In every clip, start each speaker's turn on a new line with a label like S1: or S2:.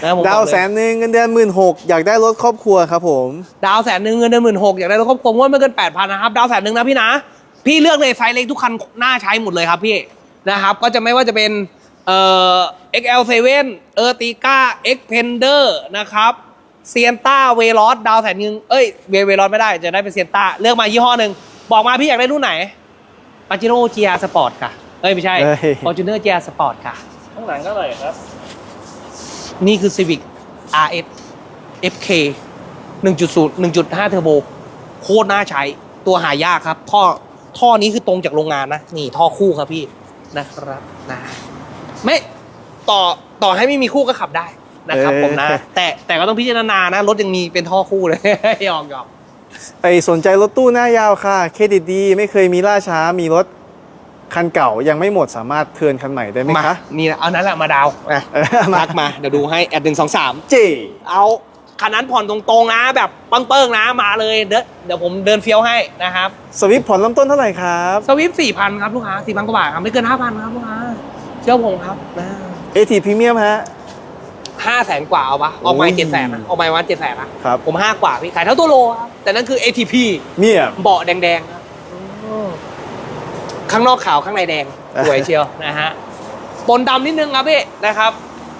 S1: นะผม
S2: ดาว100,000เงินเดือน16,000อยากได้รถครอบครัวครับผม
S1: ดาว100,000เงินเดือน16,000อยากได้รถครอบครัวว่าไม่เกิน 8,000 นะครับดาว100,000นะพี่นะพี่เลือกเลยไซส์เล็กทุกคันน่าใช้หมดเลยครับพี่นะครับก็จะไม่ว่าจะเป็นXL7 Ertiga Xpander นะครับเซียนต้าเวลอสดาว100,000เอ้ยเวลอสไม่ได้จะได้เป็นเซียนต้าเลือกมายี่ห้อหนึ่งบอกมาพี่อยากได้รุ่นไหนปาจิโร่ GR Sport ค่ะไม่ใช่ Fortuner GR Sport ค่ะ
S3: ข้างหลังเท่าไหร่ครับ
S1: นี่คือ Civic RS FK 1.0 1.5 เทอร์โบโคตรน่าใช้ตัวหายากครับท่อนี้คือตรงจากโรงงานนะนี่ท่อคู่ครับพี่นะครับนะไม่ต่อให้ไม่มีคู่ก็ขับได้นะครับผมนะแต่ก็ต้องพิจารณานะรถยังมีเป็นท่อคู่เลย หยอก
S2: สนใจรถตู้หน้ายาวค่ะเครดิตดีไม่เคยมีล่าช้ามีรถคันเก่ายังไม่หมดสามารถเทิร์นคันใหม่ได้ไหมคะ
S1: นี่เอานั้นแหละมาดาวทักมาเดี๋ยวดูให้แอด123เอาคันนั้นผ่อนตรงๆนะแบบเปิ้งๆนะมาเลยเดี๋ยวผมเดินเฟี้ยวให้นะครับ
S2: สวิฟผ่อนเริ่มต้นเท่าไหร่ครับ
S1: สวิฟ 4,000 ครับลูกค้า 4,000 กว่าบาทครับไม่เกิน 5,000 ครับลูกค้าเชื่อผมครับนะ
S2: AT Premium ฮะ
S1: 500,000 กว่าเอาปะออกมา700,000นะออกมาวัน700,000นะครับผม5 กว่าพี่ขายเท่าตัวโลครับแต่นั่นคือ ATP
S2: เนี่ย
S1: เบาะแดงๆครับข้างนอกขาวข้างในแดงสวยเชียวนะฮะปนดำนิดนึงครับพี่นะครับ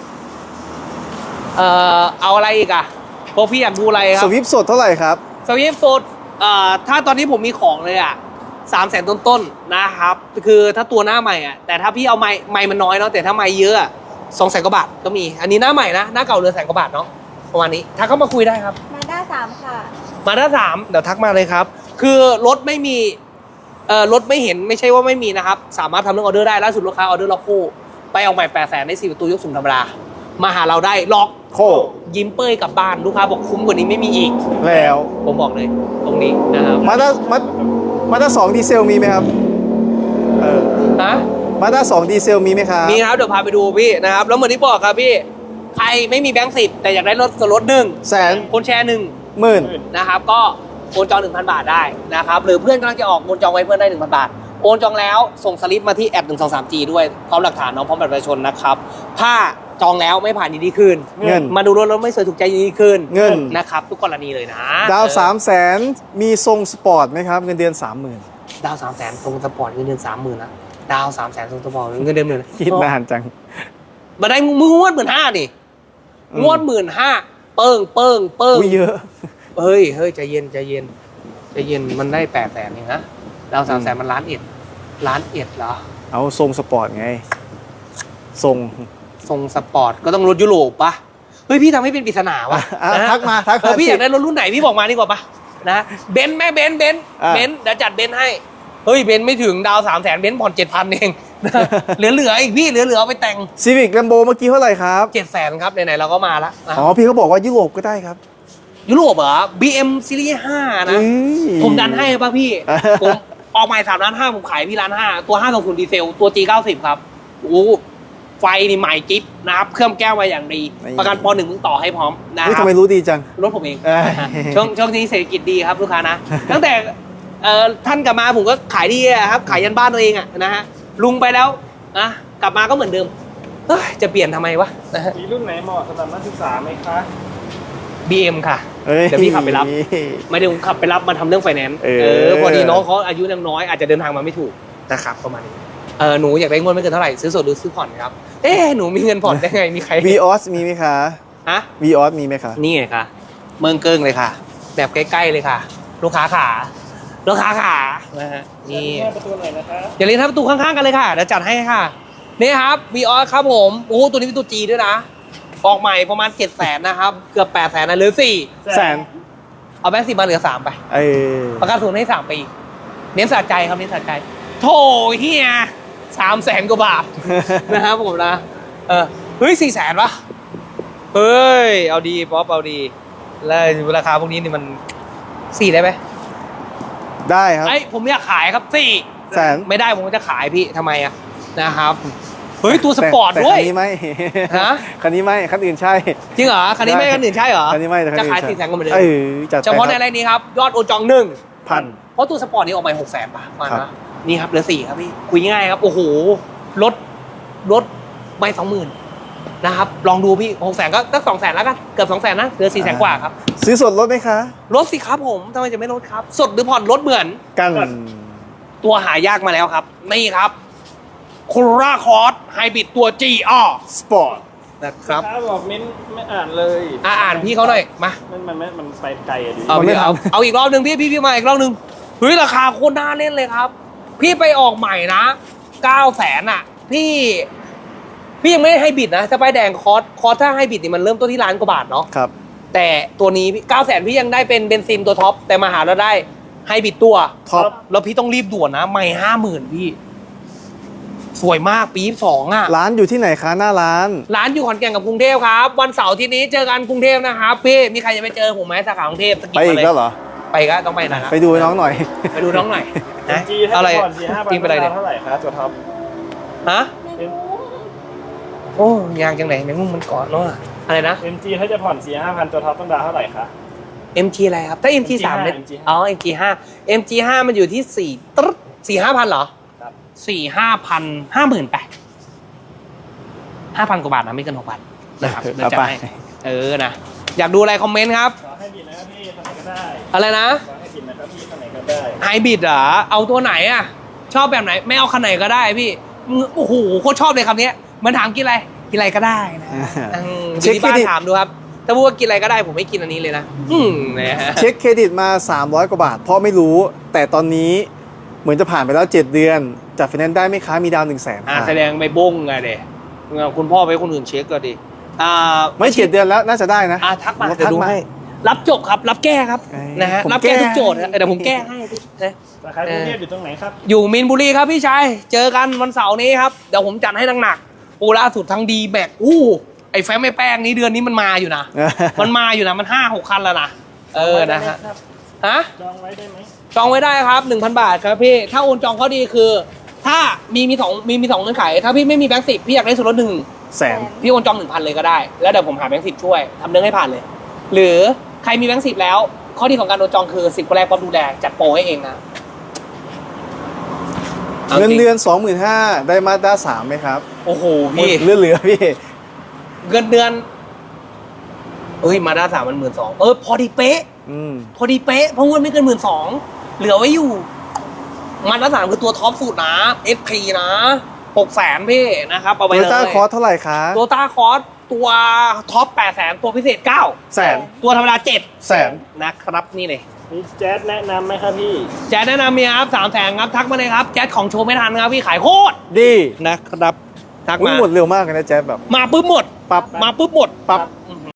S1: เอาอะไรอีกอะพวกพี่อยากดูอะไรครับ
S2: สวิฟสดเท่าไหร่ครับ
S1: สวิฟสดถ้าตอนนี้ผมมีของเลยอะ300,000 ต้นๆนะครับคือถ้าตัวหน้าใหม่อะแต่ถ้าพี่เอาไม้มันน้อยเนาะแต่ถ้าไม้เยอะ200,000 กว่าบาทก็มีอันนี้หน้าใหม่นะหน้าเก่าเหลือ100,000 กว่าบาทเนาะประมาณนี้ถ้าเข้ามาคุยได้ครับ
S4: มาด้า3ค่ะ
S1: มาด้า3เดี๋ยวทักมาเลยครับคือรถไม่มีรถไม่เห็นไม่ใช่ว่าไม่มีนะครับสามารถทำเรื่องออเดอร์ได้ล่าสุดลูกค้าออเดอร์ล็อกโคไปเอาใหม่800,000ได้4 ประตูยกสูงธรรมดามาหาเราได้ล็อก
S2: โค
S1: ยิ้มเป้ยกลับบ้านลูกค้าบอกคุ้มกว่านี้ไม่มีอีก
S2: แล้ว
S1: ผมบอกเลยตรงนี้นะครับ
S2: มาด้า2ดีเซลมีไหมครับ
S1: ฮะ
S2: มาด้า2ดีเซลมีไหมครับ
S1: มีครับเดี๋ยวพาไปดูพี่นะครับแล้วเหมือนที่บอกครับพี่ใครไม่มีแบงค์10แต่อยากได้รถส่วนลด100,000คนแชร์10,000นะครับก็โอนจอง 1,000 บาทได้นะครับหรือเพื่อนกำลังจะออกโอนจองไว้เพื่อนได้ 1,000 บาทโอนจองแล้วส่งสลิปมาที่@123G ด้วยพร้อมหลักฐานน้องพร้อมบัตรประชาชนนะครับถ้าจองแล้วไม่ผ่านยินดีคืน
S2: เงิน
S1: มาดูรถแล้วไม่สวยถูกใจยินดีคืน
S2: เงิน
S1: นะครับทุกกรณีเลยนะ
S2: ดาว300,000มีทรงสปอร์ตไหมครับเงินเดือน 30,000
S1: ดาว300,000ทรงสปอร์ตเงินเดือน 30,000นะดาว300,000ทรงสปอร์ตเงินเดือน10,000
S2: คิดนานจัง
S1: มาได้มึงงวด 15,000 นี่งวด 15,000เปิ้ง
S2: เยอะ
S1: เฮ้ยใจเย็นมันได้800,000เองนะดาว300,000มัน1,100,000เหรอ
S2: เอาทรงสปอร์ตไงทรง
S1: สปอร์ตก็ต้องรถยุโรปปะเฮ้ยพี่ทำให้เป็นปริศนาวะ
S2: ทักมา
S1: พี่อยากได้รถรุ่นไหนพี่บอกมาดีกว่าปะนะเบนซ์แม่เบนซ์เดี๋ยวจัดเบนซ์ให้เฮ้ยเบนซ์ไม่ถึงดาว300,000เบนซ์ผ่อน 7,000 เองเหลืออีกพี่เหลือเอาไปแต่ง
S2: ซีวิกแลมโบเมื่อกี้เท่าไหร่ครับ
S1: 700,000ครับไหนๆเราก็มาละ
S2: อ๋อพี่เขาบอกว่ายุโรปก็ได้ครับ
S1: ยุโรปเหรอ BM ซีรีส์5นะผมดันให้ป่ะพี่ผมออกใหม่3,500,000ผมขายพี่1,500,000ตัว520ดีเซลตัว G90 ครับโอ้ไฟนี่ใหม่กิ๊บนะครับเครื่องแก้วมาอย่างดีประกันป.1มึงต่อให้พร้อมนะครับ
S2: ทำไมรู้ดีจัง
S1: รถผมเองช่วงนี้เศรษฐกิจดีครับลูกค้านะตั้งแต่ท่านกลับมาผมก็ขายดีครับขายยันบ้านตัวเองนะฮะลุงไปแล้วนะกลับมาก็เหมือนเดิมจะเปลี่ยนทำไมวะ
S3: มีรุ่นไหนเหมาะสำหรับนักศึกษาไหมคะ
S1: BM ค่ะเดี๋ยวพี่ขับไปรับไม่ได้ขับไปรับมาทำเรื่องไฟแนนซ์พอดีน้องเขาอายุยังน้อยอาจจะเดินทางมาไม่ถูกนะครับประมาณนี้หนูอยากได้เงินไม่เกินเท่าไหร่ซื้อสดหรือซื้อผ่อนครับหนูมีเงินผ่อนได้ไงมีใคร
S2: Vios มีไหมคะ
S1: ฮะ
S2: Vios มีไหมคะ
S1: นี่ไงค่ะเมืองเกิ้งเลยค่ะแบบใกล้ๆเลยค่ะลูกค้าขานะฮะนี่
S3: ประตูไหนนะคะ
S1: อย่าลืมประตูข้างๆกันเลยค่ะเดี๋ยวจัดให้ค่ะนี่ครับ Vios ครับผมโอ้ตัวนี้เป็นตัว G ด้วยนะออกใหม่ประมาณ700,000นะครับเกือบ800,000นะเหลือ400,000เอาแบงค์10มาเหลือ3ไปประกันศูนย์ให้3 ปีเน้นสะใจครับเน้นสะใจโถเฮีย300,000 กว่าบาทนะครับผมนะเฮ้ย400,000 ปะเฮ้ยเอาดีป๊อปเอาดีแล้วราคาพวกนี้นี่มัน4ได้ไหม
S2: ได้ครับ
S1: ผมอยากขายครับ400,000ไม่ได้ผมจะขายพี่ทำไมนะครับเฮ้ยตัวสปอร์ตด้วย
S2: คันนี้ไม่คันนี้ไม่คันอื่นใช่
S1: จริงเหรอคันนี้ไม่คันอื่นใช่เหรอ
S2: คันนี้ไม่
S1: จะขาย400,000ก็เหมือนเดิม
S2: เ
S1: ฉพาะในรายนี้ครับยอดโอนจอง1,000เพราะตัวสปอร์ตนี้ออกไป600,000 บาทมานะนี่ครับเหลือ4ครับพี่คุยง่ายครับโอ้โหรถไม่20,000 นะครับลองดูพี่600,000ก็สัก200,000แล้วกันเกือบ200,000นะเหลือ400,000กว่าครับ
S2: ซื้อสดลดไหมคะ
S1: ลดสิครับผมทำไมจะไม่ลดครับสดหรือผ่อนลดเหมือน
S2: กัน
S1: ตัวหายากมาแล้วครับนี่ครับโคราคอร์สไฮบริดตัว GR
S2: สปอร์ต
S1: นะครับ
S3: ถ้าบอกมิ้นไม่อ่านเลย
S1: อ่านพี่เขาหน่อยมา
S3: มันไปไกลอะดิ
S1: เอา
S2: มันไม่
S1: พี่
S2: ทำ
S1: เอาอีกรอบหนึ่งพี่มาอีกรอบหนึ่งเฮ้ยราคาโคตรน่าเล่นเลยครับ พี่ไปออกใหม่นะ900,000อ่ะพี่ยังไม่ได้ให้บิดนะสไปแดงคอร์สถ้าให้บิดนี่มันเริ่มต้นที่ล้านกว่าบาทเนาะ
S2: ครับ
S1: แต่ตัวนี้900,000พี่ยังได้เป็นเบนซินตัวท็อปแต่มาหาเราได้ให้บิดตัว
S2: ท็อป
S1: แล้วพี่ต้องรีบด่วนนะไม่50,000พี่ สวยมากปี2อ่ะ
S2: ร้านอยู่ที่ไหนคะหน้าร้าน
S1: ร้านอยู่ขอนแก่นกับกรุงเทพครับ วันเสาร์อาที่นี้เจอกันกรุงเทพนะครับพี่มีใครจะไปเจอผมไหมสาขากรุงเทพสกิ
S2: ไป
S1: ป
S2: อี
S1: มาก เลย
S2: แล้วเหรอ
S1: ไปก็ต้องไปนะครับ
S2: ไปดูน้องหน่อย
S1: ไปดูน้องหน่อยนะ
S3: จีถ้า
S1: อะไร
S3: ผ่อน4-5,000
S1: กินไปอะไรเนี่ย
S3: เท่าไหร่ครับตัวท็อป
S1: ฮะโอ้ยางจังไหนแมงมุมมันเกาะเนาะอะไรนะ
S3: MG ถ้าจะผ่อน4-5,000ตัวท็อปต้องดาวน์เท่าไหร่คะ
S1: MG อะไรครับถ้า MG 3เนี่ย
S3: MG
S1: อ๋อ MG 5 MG 5มันอยู่ที่4ตึ๊ด4-5,000เหรอ
S3: ครับ
S1: 4-5,000 50,000ไป5,000 กว่าบาทนะไม่เกิน6,000นะครับเดี๋ยวจัดให้นะอยากดูอะไรคอมเมนต์ครับ
S3: ขอให้บินนะครับพี่ทำไหนก็ได้
S1: อะไรนะ
S3: ขอให้บินนะครับพี่ทำไหนก็ได้
S1: ไฮบริดเหรอเอาตัวไหนอ่ะ ชอบแบบไหน ไม่เอาคันไหนก็ได้พี่โอ้โหโคตรชอบเลยคำนี้มันถามกินอะไรกินอะไรก็ได้นะอยู่ที่บ้านถามดูครับ ถ้าพูดว่ากินอะไรก็ได้ผมไม่กินอันนี้เลยนะนะฮะ
S2: เช็คเครดิตมา 300 กว่าบาท เพราะไม่รู้ แต่ตอนนี้เหมือนจะผ่านไปแล้ว 7 เดือนจัดไฟแนนซ์ได้ไหมคะมีดาว 100,000
S1: แสดงไปบ้งไงเด็คุณพ่อไปคนอื่นเช็คก็ดี
S2: ไม่7 เดือนแล้วน่าจะได้นะ
S1: ทักมา
S2: ทั
S1: เดี๋ยวดู
S2: มา
S1: ให้รับจบครับรับแก้ครับ
S2: เอ้ย
S1: นะฮะ
S2: ผม
S1: รับแก้
S2: แก้
S1: ทุกโจทย์นะเดี๋ยวผมแก้ให้นะ
S3: สาขากรุงเทพอยู่ตรงไหนครับ
S1: อยู่มีนบุรีครับพี่ชาย เจอกันวันเสาร์นี้ครับ เดี๋ยวผมจัดให้หนักๆโอ้ล่าสุดทั้งดีแบกไอ้แฟ้มไอ้แป้งนี้เดือนนี้มันมาอยู่นะ มันมาอยู่นะมัน5-6 คันแล้วนะนะฮะฮะ
S3: จองไว้ได้ไหม
S1: จองไว้ได้ครับ 1,000 บาทครับพี่ ถ้าโอนจองข้อดีคือ ถ้ามีสองเงื่อนไข ถ้าพี่ไม่มีแบงค์10พี่อยากได้ส่วนลด
S2: 100,000
S1: พี่โอนจอง 1,000 เลยก็ได้ แล้วเดี๋ยวผมหาแบงค์10ช่วยทำเรื่องให้ผ่านเลย หรือใครมีแบงค์10แล้ว ข้อดีของการโอนจองคือ10คนแรกพร้อมดูแลจัดโปรให้เองนะ
S2: เงินเดือน 25,000 ได้มาด้า3ไหมครับ
S1: โอ้โหพี่
S2: เหลือพี่
S1: เงินเดือนมาด้า3มัน12,000พอดีเป๊ะ พอดีเป๊ะเพราะว่าไม่เกิน12,000เหลือไว้อยู่มาด้า3คือตัวท็อปสุดนะ SP นะ600,000พี่นะครับเอาไป
S2: โต
S1: เลย
S2: โยต้าคอร์สเท่าไหร่คะ
S1: โตต้าคอร์สตัวท็อป800,000ตัวพิเศษ9
S2: แสน
S1: ตัวธรรมดา
S2: แสน
S1: 7นะครับนี่เลย
S3: มีแจ๊สแนะนำไหมครับพี่
S1: แจ๊ดแนะนำมีครับ300,000ครับทักมาเลยครับแจ๊ดของโชว์ไม่ทันครับพี่ขายโคตร
S2: ดี
S1: นะครับทัก
S2: อุ๊ย
S1: มา
S2: หมดเร็วมากเลยนะแจ๊บแบบ
S1: มาปุ๊บหมด
S2: ปั๊บ
S1: มาปุ๊บหมด
S2: ปั๊บ
S1: อื้อ